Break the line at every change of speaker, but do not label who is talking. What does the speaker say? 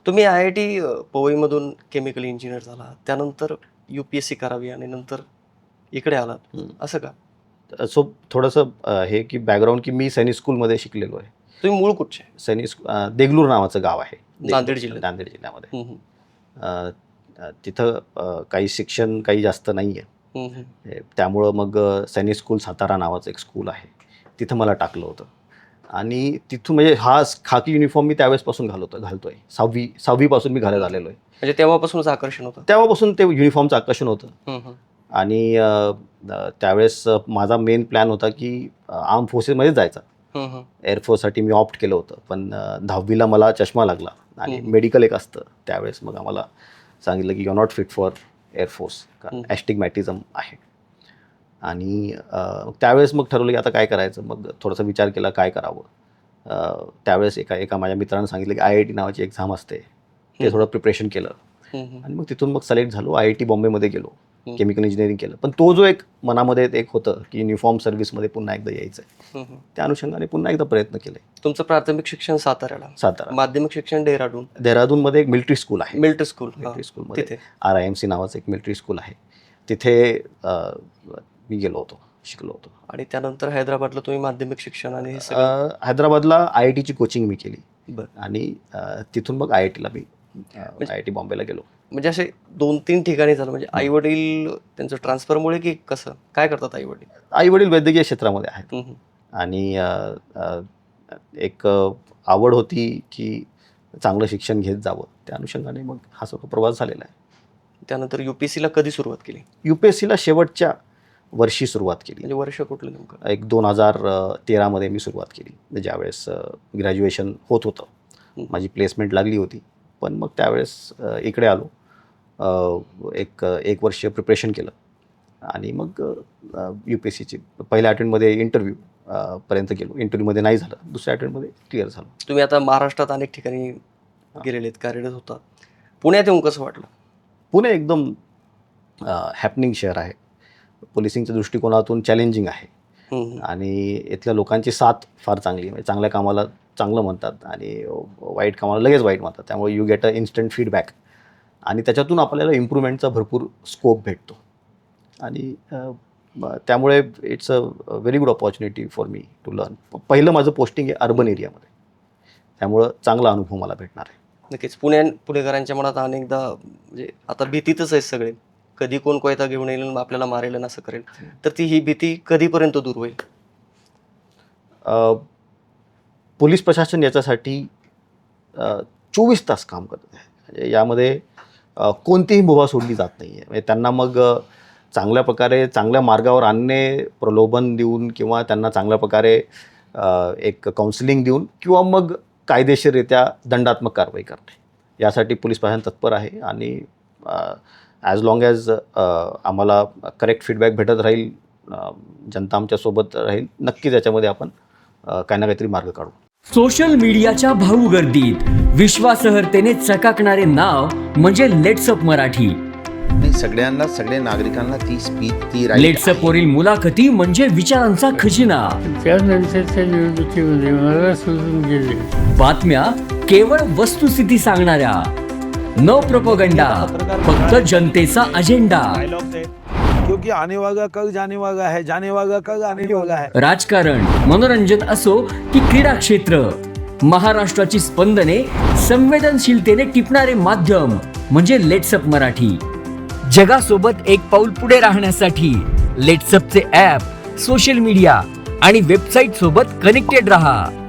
तुम्ही IIT पवईमधून chemical engineer झाला, त्यानंतर UPSC करावी आणि नंतर इकडे आलात, असं का?
सो थोडंसं हे की बॅकग्राऊंड की मी सैनिक स्कूलमध्ये शिकलेलो आहे.
तुम्ही मूळ कुठचे?
देगलूर नावाचं गाव आहे
नांदेड जिल्ह्यात.
नांदेड जिल्ह्यामध्ये. तिथं काही शिक्षण काही जास्त नाही आहे. त्यामुळं मग सैनिक स्कूल सातारा नावाचं एक स्कूल आहे, तिथं मला टाकलं होतं. आणि तिथून म्हणजे हा खाकी युनिफॉर्म मी त्यावेळेसपासून घालतोय. सहावीपासून मी घालत आलेलो आहे.
म्हणजे तेव्हापासूनच आकर्षण होतं?
तेव्हापासून ते युनिफॉर्मचं आकर्षण होतं. आणि त्यावेळेस माझा मेन प्लॅन होता की आर्म फोर्सेसमध्ये जायचा. एअरफोर्ससाठी मी ऑप्ट केलं होतं, पण 10वीला मला चष्मा लागला आणि मेडिकल एक असतं त्यावेळेस. मग आम्हाला सांगितलं की you are not fit for air force, कारण ॲस्टिग्मॅटिझम आहे. आणि त्यावेळेस मग ठरवलं की आता काय करायचं. मग थोडासा विचार केला काय करावं. त्यावेळेस एका माझ्या मित्रानं सांगितलं की IIT नावाची एक्झाम असते, ते थोडं प्रिपरेशन केलं. आणि मग तिथून मग सिलेक्ट झालो. IIT बॉम्बेमध्ये गेलो, केमिकल इंजिनिअरिंग केलं. पण तो जो एक मनामध्ये एक होतं की युनिफॉर्म सर्व्हिसमध्ये पुन्हा एकदा यायचं आहे, त्या अनुषंगाने पुन्हा एकदा प्रयत्न केले.
तुमचं प्राथमिक शिक्षण सातारा, माध्यमिक शिक्षण
देहरादूनमध्ये एक मिलिटरी स्कूल आहे.
मिलिटरी स्कूलमध्ये
तिथे RIMC नावाचं एक मिलिटरी स्कूल आहे, तिथे मी गेलो होतो, शिकलो होतो.
आणि त्यानंतर हैदराबादला तुम्ही माध्यमिक शिक्षण आणि
हैदराबादला IITची कोचिंग मी केली.
बरं.
आणि तिथून मग IITला मी IIT बॉम्बेला गेलो.
म्हणजे असे 2-3 ठिकाणी झालं. म्हणजे आई वडील त्यांचं ट्रान्सफरमुळे की कसं, काय करतात आई वडील?
आई वडील वैद्यकीय क्षेत्रामध्ये आहेत. आणि एक आवड होती की चांगलं शिक्षण घेत जावं, त्या अनुषंगाने मग हा सगळा प्रवास झालेला आहे.
त्यानंतर UPSCला कधी सुरुवात केली?
UPSCला शेवटच्या वर्षी सुरुवात केली.
म्हणजे वर्ष कुठलं नेमकं?
एक 2013मध्ये मी सुरुवात केली, ज्यावेळेस ग्रॅज्युएशन होत होतं. माझी प्लेसमेंट लागली होती, पण मग त्यावेळेस इकडे आलो. एक वर्ष प्रिपरेशन केलं आणि मग UPSCची पहिल्या अटेम्प्टमध्ये इंटरव्ह्यू पर्यंत गेलो. इंटरव्ह्यूमध्ये नाही झालं, दुसऱ्या अटेम्प्टमध्ये क्लिअर झालो.
तुम्ही आता महाराष्ट्रात अनेक ठिकाणी गेलेले आहेत, कार्यरत होता. पुण्यात येऊन कसं वाटलं?
पुणे एकदम हॅपनिंग शहर आहे. पोलिसिंगच्या दृष्टिकोनातून चॅलेंजिंग आहे. आणि इथल्या लोकांची साथ फार चांगली आहे. म्हणजे चांगल्या कामाला चांगलं म्हणतात आणि वाईट कामाला लगेच वाईट म्हणतात. त्यामुळे you get a instant feedback आणि त्याच्यातून आपल्याला इम्प्रूव्हमेंटचा भरपूर स्कोप भेटतो. आणि त्यामुळे it's a very good opportunity for me to learn. पहिलं माझं पोस्टिंग आहे अर्बन एरियामध्ये, त्यामुळं चांगला अनुभव मला भेटणार आहे.
नक्कीच. पुणेकरांच्या मनात अनेकदा म्हणजे आता भीतीतच आहेत सगळे, कधी कोण कोयता घेऊन येईल आपल्याला मारेल आणि असं करेल. तर ही भीती कधीपर्यंत दूर होईल?
पोलीस प्रशासन याच्यासाठी 24 तास काम करत आहे. म्हणजे यामध्ये कोणतीही मुभा सोडली जात नाही आहे. म्हणजे त्यांना मग चांगल्या प्रकारे चांगल्या मार्गावर आणणे, प्रलोभन देऊन किंवा त्यांना चांगल्या प्रकारे एक काउन्सिलिंग देऊन किंवा मग कायदेशीररित्या दंडात्मक कारवाई करणे, यासाठी पोलीस प्रशासन तत्पर आहे. आणि ॲज लॉंग ॲज आम्हाला करेक्ट फीडबॅक भेटत राहील, जनता आमच्यासोबत राहील, नक्कीच याच्यामध्ये आपण काही ना काहीतरी मार्ग काढू.
सोशल मीडियाच्या भाऊ गर्दीत विश्वासार्हतेने चकाकणारे नाव म्हणजे लेट्सअप मराठी.
सगळ्यांना, सगळ्या नागरिकांना ती स्पीच, ती
लेट्सअप वरील मुलाखती म्हणजे विचारांचा खजिना.
त्यानंतरच्या निवडणुकीमध्ये मला सोडून गेले.
बातम्या केवळ वस्तुस्थिती सांगणाऱ्या, न प्रोपगंडा, फक्त जनतेचा अजेंडा.
क्योंकि आने वाला कल जाने वाला है, जाने वाला कल आने वाला है.
राजकारण, मनोरंजन असो की क्रीडा क्षेत्र, महाराष्ट्राची स्पंदने संवेदनशीलतेने टिपणारे माध्यम म्हणजे लेट्सअप मराठी. जगासोबत एक पाऊल पुढे राहण्यासाठी लेट्सअपचे ॲप, सोशल मीडिया आणि वेबसाईट सोबत कनेक्टेड रहा.